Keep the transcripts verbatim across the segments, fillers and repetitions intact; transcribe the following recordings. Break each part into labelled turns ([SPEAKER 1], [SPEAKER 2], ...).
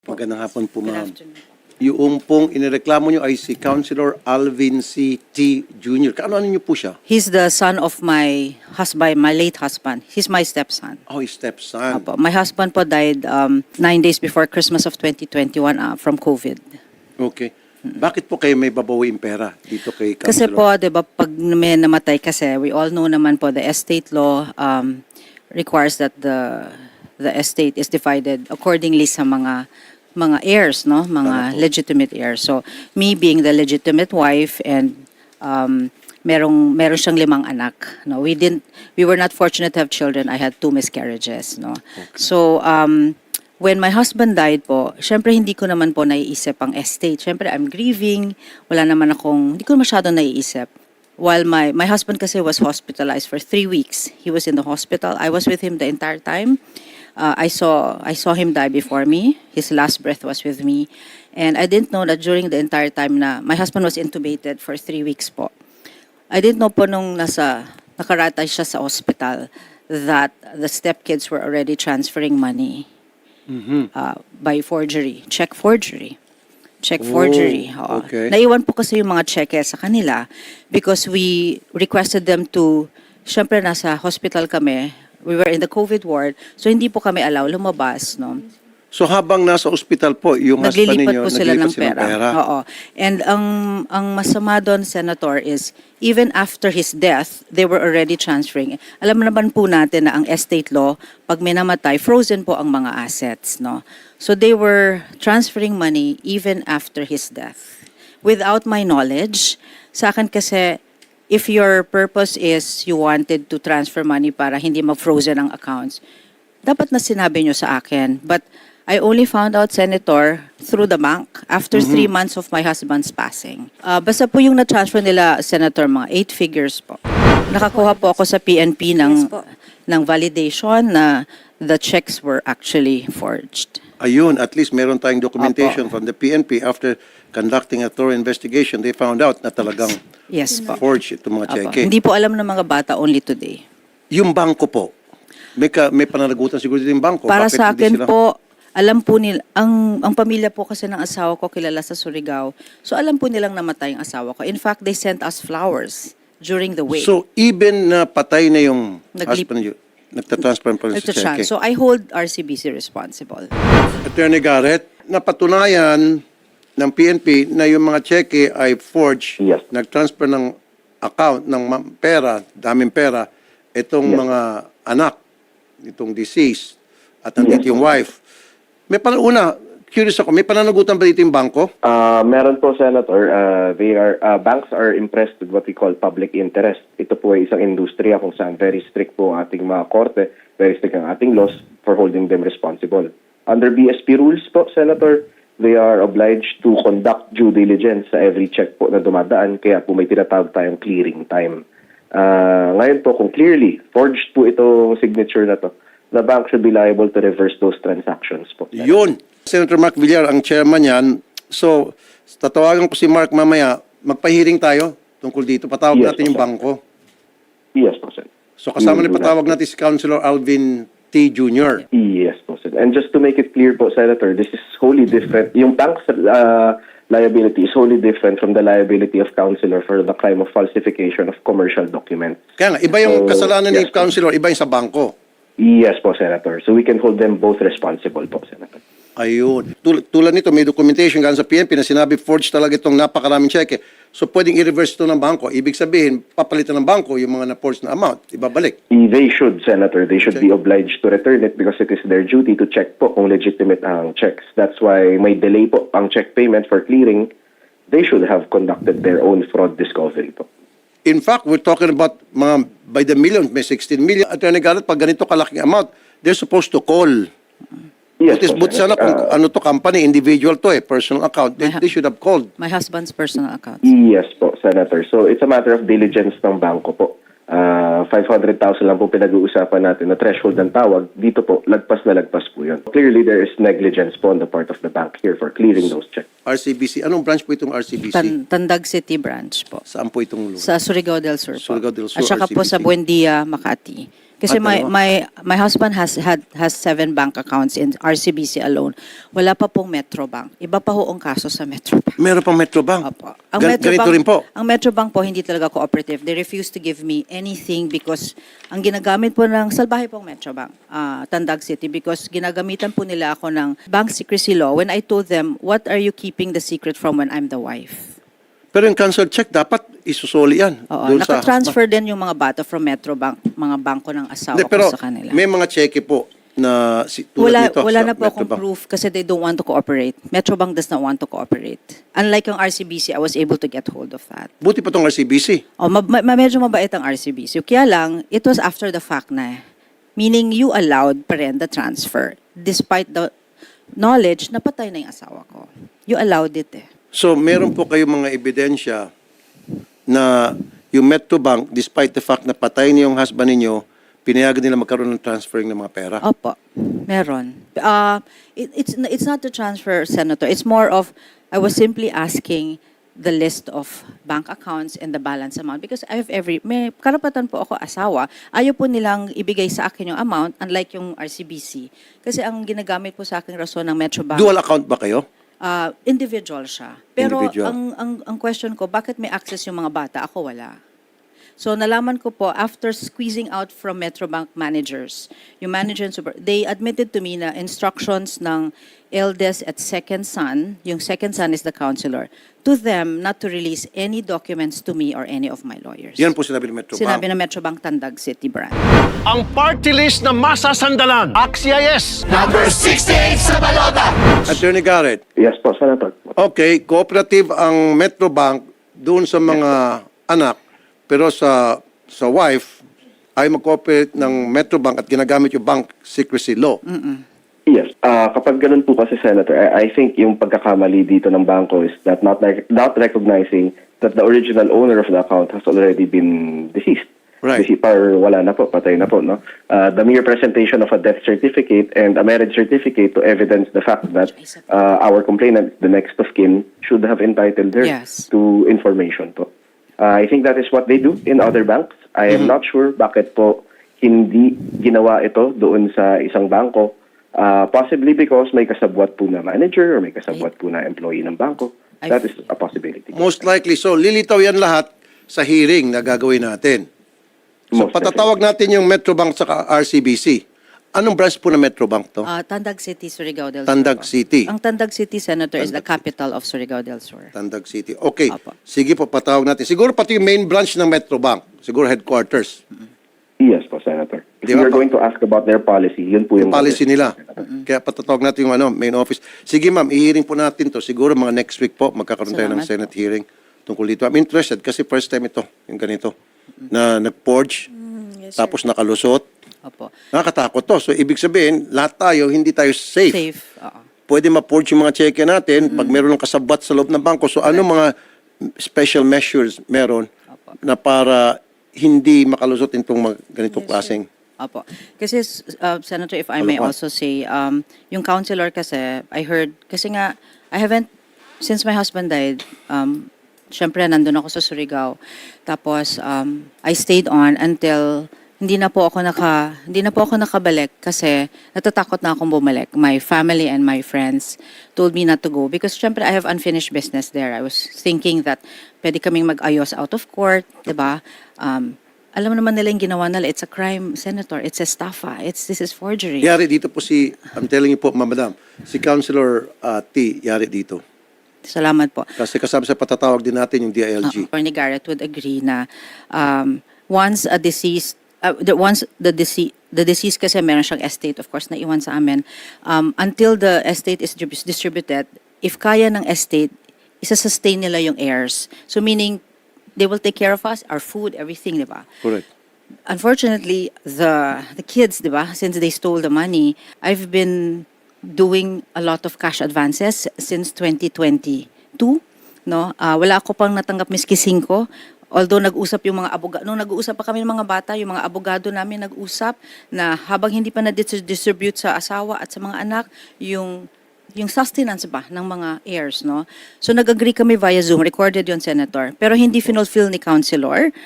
[SPEAKER 1] Magandang hapon po,
[SPEAKER 2] Good
[SPEAKER 1] ma'am.
[SPEAKER 2] afternoon.
[SPEAKER 1] Yung pong inireklamo nyo ay si Councilor Alvin C. T. Junior Kaano-ano nyo po siya?
[SPEAKER 2] He's the son of my husband, my late husband. He's my stepson.
[SPEAKER 1] Oh, his stepson.
[SPEAKER 2] Apo. My husband po died um, nine days before Christmas of twenty twenty-one uh, from COVID.
[SPEAKER 1] Okay. Bakit po kayo may babawiin pera dito kay
[SPEAKER 2] Kasi
[SPEAKER 1] Councilor?
[SPEAKER 2] po, di ba, pag may namatay kasi, we all know naman po, the estate law um, requires that the the estate is divided accordingly sa mga mga heirs, no? Mga
[SPEAKER 1] Tama po.
[SPEAKER 2] legitimate heirs. So, me being the legitimate wife and um, merong meron siyang limang anak, no? We didn't we were not fortunate to have children. I had two miscarriages, no? So, um when my husband died po, syempre hindi ko naman po naiisip ang estate. Syempre I'm grieving, wala naman akong hindi ko masyado naiisip. While my my husband kasi was hospitalized for three weeks. He was in the hospital. I was with him the entire time. Uh, I saw I saw him die before me. His last breath was with me. And I didn't know that during the entire time na my husband was intubated for three weeks po. I didn't know po nung nasa nakaratay siya sa hospital that the stepkids were already transferring money
[SPEAKER 1] Mhm.
[SPEAKER 2] uh, by forgery, check forgery. Check
[SPEAKER 1] Oh,
[SPEAKER 2] forgery. Oo.
[SPEAKER 1] okay.
[SPEAKER 2] Naiwan po kasi yung mga cheque sa kanila because we requested them to, syempre nasa hospital kami, we were in the COVID ward, so hindi po kami allow lumabas, no?
[SPEAKER 1] So habang nasa ospital po, yung husband
[SPEAKER 2] Naglilipat
[SPEAKER 1] ninyo,
[SPEAKER 2] po sila ng
[SPEAKER 1] naglilipat
[SPEAKER 2] pera. Oo. And ang ang masama doon, Senator, is even after his death, they were already transferring. Alam naman po natin na ang estate law, pag may namatay, frozen po ang mga assets, no? So they were transferring money even after his death. Without my knowledge, sa akin kasi, if your purpose is you wanted to transfer money para hindi mag-frozen ang accounts, dapat na sinabi nyo sa akin. But I only found out, Senator, through the bank after three months of my husband's passing. Uh, basta po yung na-transfer nila, Senator, mga eight figures po. Nakakuha po ako sa P N P ng,
[SPEAKER 3] Yes po.
[SPEAKER 2] ng validation na the checks were actually forged.
[SPEAKER 1] Ayun, at least meron tayong documentation from the P N P after conducting a thorough investigation. They found out na talagang
[SPEAKER 2] Yes po.
[SPEAKER 1] forged itong mga
[SPEAKER 2] Apo.
[SPEAKER 1] cheque.
[SPEAKER 2] Hindi po alam ng mga bata only today.
[SPEAKER 1] Yung bangko po, may, ka, may pananagutan siguro din yung bangko.
[SPEAKER 2] Para
[SPEAKER 1] Bakit
[SPEAKER 2] sa
[SPEAKER 1] hindi
[SPEAKER 2] akin
[SPEAKER 1] sila-
[SPEAKER 2] po, alam po nila, ang, ang pamilya po kasi ng asawa ko kilala sa Surigao. So alam po nilang namatay ang asawa ko. In fact, they sent us flowers during the wake.
[SPEAKER 1] So even na patay na yung
[SPEAKER 2] Naglip-
[SPEAKER 1] husband niyo, nagtatransfer pa rin
[SPEAKER 2] Ito
[SPEAKER 1] sa
[SPEAKER 2] siya.
[SPEAKER 1] cheque.
[SPEAKER 2] So I hold R C B C responsible.
[SPEAKER 1] Attorney Garrett, napatunayan ng P N P na yung mga cheque ay forged,
[SPEAKER 4] Yes.
[SPEAKER 1] nag-transfer ng account ng ma- pera, daming pera, itong
[SPEAKER 4] Yes.
[SPEAKER 1] mga anak, itong deceased, at nandito
[SPEAKER 4] Yes.
[SPEAKER 1] yung wife. May panuna, curious ako, may pananagutan ba dito yung bangko?
[SPEAKER 4] Uh, meron po, Senator. Uh, they are, uh, banks are impressed with what we call public interest. Ito po ay isang industriya kung saan very strict po ang ating mga korte, very strict ang ating laws for holding them responsible. Under B S P rules po, Senator, they are obliged to conduct due diligence sa every check po na dumadaan, kaya po may tinatawag tayong clearing time. Uh, ngayon po, kung clearly forged po itong signature na to, the bank should be liable to reverse those transactions po.
[SPEAKER 1] Yun. Senator Mark Villar, ang chairman yan. So, tatawagan ko si Mark mamaya, magpahiring tayo tungkol dito. Patawag
[SPEAKER 4] Yes,
[SPEAKER 1] natin yung
[SPEAKER 4] sir.
[SPEAKER 1] bangko.
[SPEAKER 4] Yes po, sir.
[SPEAKER 1] So, kasama
[SPEAKER 4] We
[SPEAKER 1] na
[SPEAKER 4] will do
[SPEAKER 1] patawag
[SPEAKER 4] that.
[SPEAKER 1] natin si Councilor Alvin T. Junior
[SPEAKER 4] Yes po, sir. And just to make it clear po, Senator, this is wholly different. Yung bank's uh, liability is wholly different from the liability of councilor for the crime of falsification of commercial documents.
[SPEAKER 1] Kaya nga, iba yung
[SPEAKER 4] So,
[SPEAKER 1] kasalanan ni
[SPEAKER 4] yes po.
[SPEAKER 1] Councilor, iba yung sa bangko.
[SPEAKER 4] Yes po, Senator. So we can hold them both responsible po, Senator.
[SPEAKER 1] Ayun. Tul- tulad nito, may documentation galing sa P N P na sinabi forged talaga itong napakaraming cheque. So, pwedeng i-reverse ito ng bangko. Ibig sabihin, papalitan ng bangko yung mga na-forged na amount. Ibabalik.
[SPEAKER 4] They should, Senator. They should be obliged to return it because it is their duty to check po kung legitimate ang checks. That's why may delay po ang check payment for clearing. They should have conducted their own fraud discovery po.
[SPEAKER 1] In fact, we're talking about mga by the million, may sixteen million. Attorney Garrett, pag ganito kalaking amount, they're supposed to call.
[SPEAKER 4] Yes
[SPEAKER 1] Butis,
[SPEAKER 4] po,
[SPEAKER 1] buti sana
[SPEAKER 4] Senator.
[SPEAKER 1] kung
[SPEAKER 4] Uh,
[SPEAKER 1] ano to company, individual to eh, personal account. They, they should have called.
[SPEAKER 2] My husband's personal account.
[SPEAKER 4] Yes po, Senator. So it's a matter of diligence ng bangko po. Uh, five hundred thousand lang po pinag-uusapan natin na threshold ng tawag. Dito po, lagpas na lagpas po yun. Clearly, there is negligence po on the part of the bank here for clearing those checks.
[SPEAKER 1] R C B C. Anong branch po itong R C B C?
[SPEAKER 2] Tan- Tandag City branch po.
[SPEAKER 1] Saan po itong lugar?
[SPEAKER 2] Sa Surigao del Sur po.
[SPEAKER 1] Surigao del Sur,
[SPEAKER 2] At saka po
[SPEAKER 1] R C B C.
[SPEAKER 2] sa Buendia, Makati. Kasi
[SPEAKER 1] Ah,
[SPEAKER 2] my,
[SPEAKER 1] dalawa.
[SPEAKER 2] my, my husband has had has seven bank accounts in R C B C alone. Wala pa pong Metrobank. Iba pa ho ang kaso sa Metrobank.
[SPEAKER 1] Meron pang Metrobank.
[SPEAKER 2] Opo. Ang
[SPEAKER 1] Gan- ganito rin po.
[SPEAKER 2] Ang Metrobank po hindi talaga cooperative. They refuse to give me anything because ang ginagamit po ng salbahe pong Metrobank, ah, Tandag City, because ginagamitan po nila ako ng bank secrecy law when I told them, what are you keeping the secret from when I'm the wife?
[SPEAKER 1] Pero yung cancel check, dapat isusoli yan.
[SPEAKER 2] Oo,
[SPEAKER 1] doon sa
[SPEAKER 2] nakatransfer din yung mga bata from Metrobank, mga bangko ng asawa
[SPEAKER 1] Hindi, pero
[SPEAKER 2] ko sa kanila.
[SPEAKER 1] may mga cheque po na si, tulad
[SPEAKER 2] Wala,
[SPEAKER 1] nito
[SPEAKER 2] wala
[SPEAKER 1] sa
[SPEAKER 2] na po akong
[SPEAKER 1] Metrobank.
[SPEAKER 2] proof kasi they don't want to cooperate. Metrobank does not want to cooperate. Unlike yung R C B C, I was able to get hold of that.
[SPEAKER 1] Buti pa tong R C B C.
[SPEAKER 2] Oh, ma- ma- medyo mabait ang R C B C. Kaya lang, it was after the fact na eh. Meaning you allowed pa rin the transfer despite the knowledge na patay na yung asawa ko. You allowed it eh.
[SPEAKER 1] So, meron po kayong mga ebidensya na yung Metrobank, despite the fact na patay niyo yung husband ninyo, pinayagan nila magkaroon ng transferring ng mga pera.
[SPEAKER 2] Opo, meron. Uh, it, it's, it's not the transfer, Senator. It's more of, I was simply asking the list of bank accounts and the balance amount because I have every, may karapatan po ako asawa. Ayaw po nilang ibigay sa akin yung amount, unlike yung R C B C. Kasi ang ginagamit po sa akin rason ng Metrobank,
[SPEAKER 1] Dual account ba kayo?
[SPEAKER 2] uh, individual siya. Pero
[SPEAKER 1] Individual.
[SPEAKER 2] ang, ang, ang question ko, bakit may access yung mga bata? Ako wala. So nalaman ko po, after squeezing out from Metrobank managers, yung manager and super, they admitted to me na instructions ng eldest at second son, yung second son is the counselor, to them not to release any documents to me or any of my lawyers.
[SPEAKER 1] Yan po sinabi ng Metrobank.
[SPEAKER 2] Sinabi ng Metrobank Tandag City branch.
[SPEAKER 3] Ang party list na masasandalan. A X I S.
[SPEAKER 1] Attorney Garrett,
[SPEAKER 4] Yes po, Senator.
[SPEAKER 1] okay, cooperative ang Metrobank doon sa mga anak, pero sa sa wife ay mag-cooperate ng Metrobank at ginagamit yung bank secrecy law.
[SPEAKER 4] Yes. Ah, kapag ganun po kasi, Senator, I, I think yung pagkakamali dito ng bangko is that not, like, not recognizing that the original owner of the account has already been deceased.
[SPEAKER 1] Right.
[SPEAKER 4] Deceased, or wala na po, patay na po, no? Uh, the mere presentation of a death certificate and a marriage certificate to evidence the fact that uh, our complainant, the next of kin, should have entitled her
[SPEAKER 2] Yes.
[SPEAKER 4] to information po. Uh, I think that is what they do in other banks. I am not sure bakit po hindi ginawa ito doon sa isang bangko. Uh, possibly because may kasabwat po na manager or may kasabwat po na employee ng bangko.
[SPEAKER 2] I
[SPEAKER 4] That is
[SPEAKER 2] see.
[SPEAKER 4] a possibility.
[SPEAKER 1] Most likely. So, lilitaw yan lahat sa hearing na gagawin natin. So,
[SPEAKER 4] Most
[SPEAKER 1] patatawag natin yung Metrobank sa R C B C. Anong branch po ng Metrobank to?
[SPEAKER 2] Uh, Tandag City, Surigao del Sur.
[SPEAKER 1] Tandag
[SPEAKER 2] po.
[SPEAKER 1] City.
[SPEAKER 2] Ang Tandag City, Senator, is the capital of Surigao del Sur.
[SPEAKER 1] Tandag City. Okay.
[SPEAKER 2] Apo.
[SPEAKER 1] Sige po, patawag natin. Siguro pati yung main branch ng Metrobank. Siguro headquarters.
[SPEAKER 4] Yes po, Senator. If
[SPEAKER 1] Di ba
[SPEAKER 4] you are
[SPEAKER 1] po?
[SPEAKER 4] going to ask about their policy, yun po yung
[SPEAKER 1] Yung policy nila. Kaya patatawag natin yung ano, main office. Sige ma'am, i-hearing po natin to. Siguro mga next week po, magkakaroon tayo ng
[SPEAKER 2] Salamat
[SPEAKER 1] Senate hearing tungkol dito. I'm interested kasi first time ito, yung ganito, na nag-forge, tapos nakalusot.
[SPEAKER 2] Opo.
[SPEAKER 1] Nakakatakot to. So, ibig sabihin, lahat tayo, hindi tayo safe.
[SPEAKER 2] Safe. Oo.
[SPEAKER 1] Pwede ma-forge yung mga cheque natin pag meron ng kasabwat sa loob ng bangko. So, ano mga special measures meron
[SPEAKER 2] Opo.
[SPEAKER 1] na para hindi makalusot itong mga ganitong klaseng?
[SPEAKER 2] Opo. Kasi, uh, Senator, if I may
[SPEAKER 1] Ano pa?
[SPEAKER 2] also say, um, yung counselor kasi, I heard, kasi nga, I haven't, since my husband died, um, syempre, nandun ako sa Surigao. Tapos, um, I stayed on until hindi na po ako naka hindi na po ako nakabalik kasi natatakot na akong bumalik. My family and my friends told me not to go because syempre I have unfinished business there. I was thinking that pwede kaming mag-ayos out of court, 'di ba? Um, alam naman nila yung ginawa nila. It's a crime, Senator. It's estafa. It's this is forgery.
[SPEAKER 1] Yari dito po si, I'm telling you po, Madam, si Councilor uh, T, yari dito.
[SPEAKER 2] Salamat po.
[SPEAKER 1] Kasi kasama sa patatawag din natin yung D I L G.
[SPEAKER 2] Uh, Attorney Garrett would agree na um, once a deceased, uh, the, once the deceased, the deceased kasi meron siyang estate, of course, na iwan sa amin, um, until the estate is distrib- distributed, if kaya ng estate, isa-sustain nila yung heirs. So meaning, they will take care of us, our food, everything, di ba?
[SPEAKER 1] Correct.
[SPEAKER 2] Unfortunately, the the kids, di ba, since they stole the money, I've been doing a lot of cash advances since twenty twenty-two. No? Ah, wala ako pang natanggap miski singko. Although nag-usap yung mga abogado, nung nag-usap pa kami ng mga bata, yung mga abogado namin nag-usap na habang hindi pa na-distribute sa asawa at sa mga anak, yung yung sustenance ba ng mga heirs, no? So nag-agree kami via Zoom, recorded yon, Senator. Pero hindi finulfill ni Councilor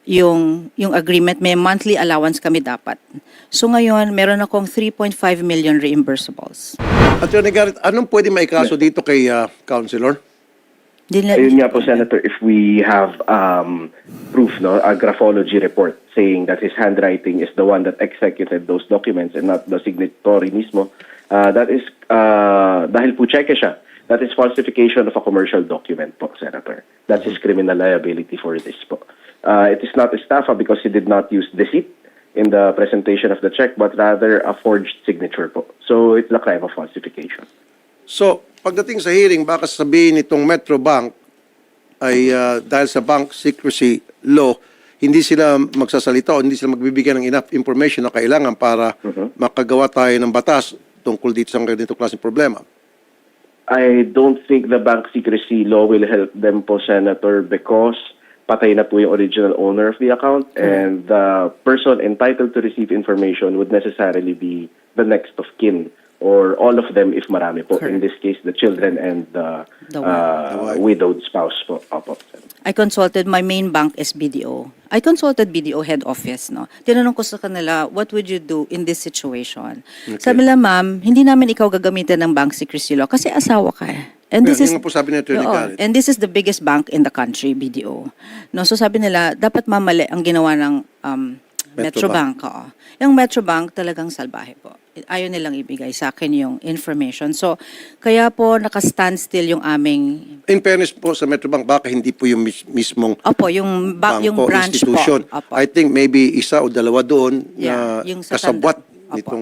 [SPEAKER 2] yung yung agreement, may monthly allowance kami dapat. So ngayon, meron akong three point five million reimbursables.
[SPEAKER 1] Attorney Garrett, anong pwede maikaso dito kay uh, Councilor?
[SPEAKER 2] Di nila-
[SPEAKER 4] Ayun nga po, Senator, if we have um, proof, no, a graphology report saying that his handwriting is the one that executed those documents and not the signatory mismo, uh, that is, uh, dahil po cheque siya, that is falsification of a commercial document po, Senator. That's his criminal liability for this po. Uh, it is not estafa because he did not use deceit in the presentation of the check, but rather a forged signature po. So it's a crime of falsification.
[SPEAKER 1] So, pagdating sa hearing, baka sabihin nitong Metro Bank ay uh, dahil sa bank secrecy law, hindi sila magsasalita o hindi sila magbibigyan ng enough information na kailangan para makagawa tayo ng batas tungkol dito sa ganitong klaseng problema.
[SPEAKER 4] I don't think the bank secrecy law will help them po, Senator, because patay na po yung original owner of the account and the person entitled to receive information would necessarily be the next of kin or all of them if marami po. In this case, the children and the,
[SPEAKER 2] The
[SPEAKER 4] uh, widowed spouse po. Opo.
[SPEAKER 2] I consulted my main bank is B D O. I consulted B D O head office, no. Tinanong ko sa kanila, what would you do in this situation? Sabi nila, ma'am, hindi namin ikaw gagamitin ng bank secrecy law kasi asawa ka. eh. And this
[SPEAKER 1] Yan,
[SPEAKER 2] is
[SPEAKER 1] yun nga po sabi ni Attorney
[SPEAKER 2] Oo,
[SPEAKER 1] Garrett.
[SPEAKER 2] and this is the biggest bank in the country, B D O. No, so sabi nila, dapat mamali ang ginawa ng um,
[SPEAKER 1] Metro
[SPEAKER 2] Metro, Bank. oo. Yung Metro Bank talagang salbahe po. Ayaw nilang ibigay sa akin yung information. So, kaya po naka-standstill yung aming,
[SPEAKER 1] In fairness po sa Metro Bank, baka hindi po yung mis- mismong
[SPEAKER 2] opo, yung, ba, yung
[SPEAKER 1] bangko,
[SPEAKER 2] branch
[SPEAKER 1] institution.
[SPEAKER 2] po. Opo.
[SPEAKER 1] I think maybe isa o dalawa doon
[SPEAKER 2] Yeah,
[SPEAKER 1] na
[SPEAKER 2] yung sa
[SPEAKER 1] kasabwat
[SPEAKER 2] tanda- Opo.
[SPEAKER 1] nitong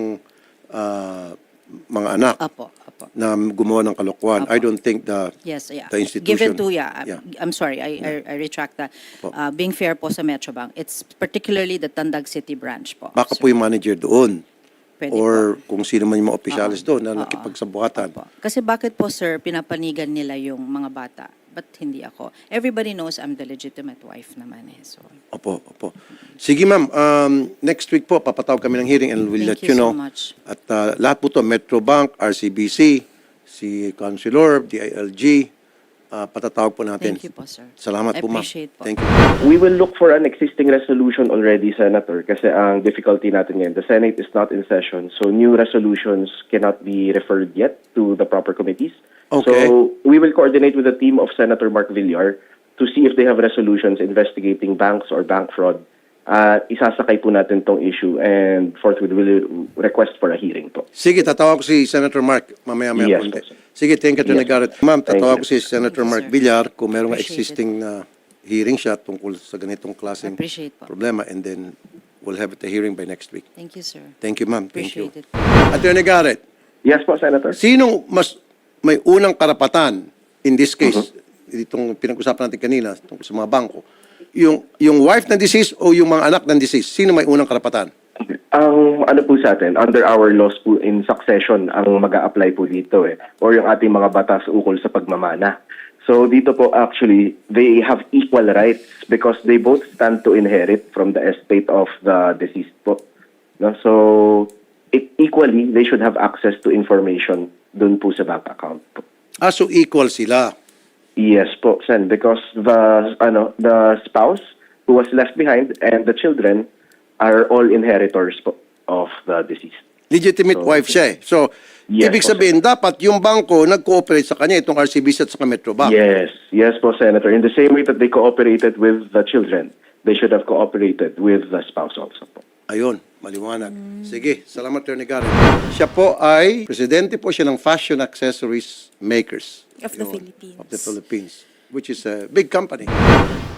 [SPEAKER 1] ah, mga anak
[SPEAKER 2] Opo, opo.
[SPEAKER 1] na gumawa ng kalokohan.
[SPEAKER 2] Opo.
[SPEAKER 1] I don't think the
[SPEAKER 2] Yes, yeah.
[SPEAKER 1] the institution.
[SPEAKER 2] Given to, yeah,
[SPEAKER 1] Yeah.
[SPEAKER 2] I'm sorry, I, I, I retract that.
[SPEAKER 1] Opo.
[SPEAKER 2] Uh, being fair po sa Metro Bank, it's particularly the Tandag City branch po.
[SPEAKER 1] Baka
[SPEAKER 2] So,
[SPEAKER 1] po yung manager doon.
[SPEAKER 2] pwede
[SPEAKER 1] Or kung sino man yung mga opisyalis
[SPEAKER 2] Oo.
[SPEAKER 1] doon na
[SPEAKER 2] Oo.
[SPEAKER 1] nakipagsabuhatan.
[SPEAKER 2] Opo. Kasi bakit po, sir, pinapanigan nila yung mga bata? Ba't hindi ako? Everybody knows I'm the legitimate wife naman eh. So,
[SPEAKER 1] Opo, opo. Sige ma'am, um, next week po papatawag kami ng hearing and we'll let
[SPEAKER 2] Thank
[SPEAKER 1] you
[SPEAKER 2] you so
[SPEAKER 1] know.
[SPEAKER 2] much.
[SPEAKER 1] At uh, lahat po to, Metro Bank, R C B C, si Councilor, D I L G, uh, patatawag po natin.
[SPEAKER 2] thank you po, sir.
[SPEAKER 1] Salamat
[SPEAKER 2] I
[SPEAKER 1] po ma'am.
[SPEAKER 2] appreciate po.
[SPEAKER 1] Thank you.
[SPEAKER 4] We will look for an existing resolution already, Senator, kasi ang difficulty natin ngayon, the Senate is not in session, so new resolutions cannot be referred yet to the proper committees.
[SPEAKER 1] Okay.
[SPEAKER 4] So we will coordinate with the team of Senator Mark Villar to see if they have resolutions investigating banks or bank fraud. Uh, isasakay po natin tong issue and forthwith will request for a hearing po.
[SPEAKER 1] Sige, tatawag ko si Senator Mark mamaya-maya
[SPEAKER 4] Yes,
[SPEAKER 1] konti.
[SPEAKER 4] sir.
[SPEAKER 1] Sige, thank you, Attorney
[SPEAKER 4] Yes,
[SPEAKER 1] Garrett. Ma'am,
[SPEAKER 4] Thank
[SPEAKER 1] tatawag
[SPEAKER 4] you.
[SPEAKER 1] ko si Senator
[SPEAKER 2] Thank you,
[SPEAKER 1] Mark
[SPEAKER 2] sir.
[SPEAKER 1] Villar kung merong
[SPEAKER 2] Appreciate it.
[SPEAKER 1] existing na hearing siya tungkol sa ganitong klaseng
[SPEAKER 2] Appreciate po.
[SPEAKER 1] problema and then we'll have the hearing by next week.
[SPEAKER 2] Thank you, sir.
[SPEAKER 1] Thank you, ma'am. Thank you.
[SPEAKER 2] Appreciate it.
[SPEAKER 1] Attorney Garrett,
[SPEAKER 4] Yes po, Senator.
[SPEAKER 1] sinong mas may unang karapatan in this case,
[SPEAKER 4] Mm-hmm.
[SPEAKER 1] itong pinag-usapan natin kanina tungkol sa mga bangko, yung yung wife ng deceased o yung mga anak ng deceased, sino may unang karapatan?
[SPEAKER 4] Ang ano po sa atin, under our laws po in succession ang mag-a-apply po dito eh, or yung ating mga batas ukol sa pagmamana. So dito po actually, they have equal rights because they both stand to inherit from the estate of the deceased po. No? So it, equally, they should have access to information dun po sa bank account po.
[SPEAKER 1] Ah, so equal sila.
[SPEAKER 4] Yes po, Sen, because the ano the spouse who was left behind and the children are all inheritors po of the deceased.
[SPEAKER 1] Legitimate
[SPEAKER 4] So,
[SPEAKER 1] wife siya eh. So,
[SPEAKER 4] Yes,
[SPEAKER 1] ibig
[SPEAKER 4] po,
[SPEAKER 1] sabihin, dapat yung bangko nag-cooperate sa kanya, itong R C B C at sa Metro Bank.
[SPEAKER 4] Yes, yes po, Senator. In the same way that they cooperated with the children, they should have cooperated with the spouse also po.
[SPEAKER 1] Ayun, maliwanag. Sige, salamat, Attorney Garrett. Siya po ay, presidente po siya ng Fashion Accessories Makers.
[SPEAKER 5] Of the
[SPEAKER 1] Yun,
[SPEAKER 5] Philippines.
[SPEAKER 1] Of the Philippines, which is a big company.